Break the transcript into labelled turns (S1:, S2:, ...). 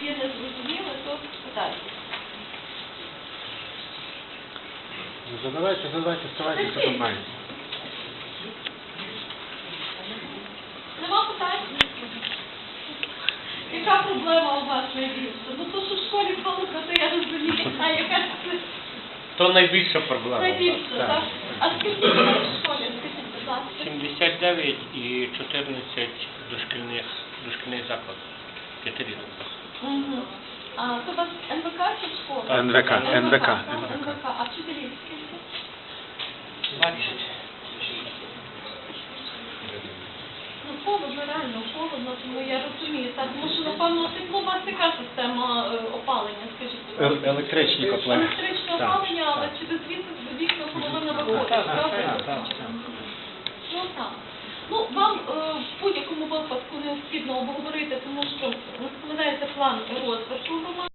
S1: є незрозуміле, то питайте.
S2: Задавайте, ставайте, що там маєте.
S1: Нема питань? Яка проблема у вас найбільша? Ну то, що в школі холодно, то я розумію, а яка це?
S3: То найбільша проблема.
S1: Найбільше, так? А скільки людей в школі, скажіть, будь ласка?
S3: 79 і 14 дошкільних закладів. П'ятирічних.
S1: Угу. А то у вас НВК чи школа?
S2: НВК.
S1: А вчителів скільки?
S3: 20.
S1: Ну, холодно, реально холодно, тому я розумію. Так, тому що, напевно, тепло у вас яка система опалення, скажіть, будь ласка?
S2: Електричні котли.
S1: Електричне опалення, але через вікна половина виходить, правда? Ну, так. Ну, вам в будь-якому випадку необхідно обговорити, тому що складається план розвитку громади.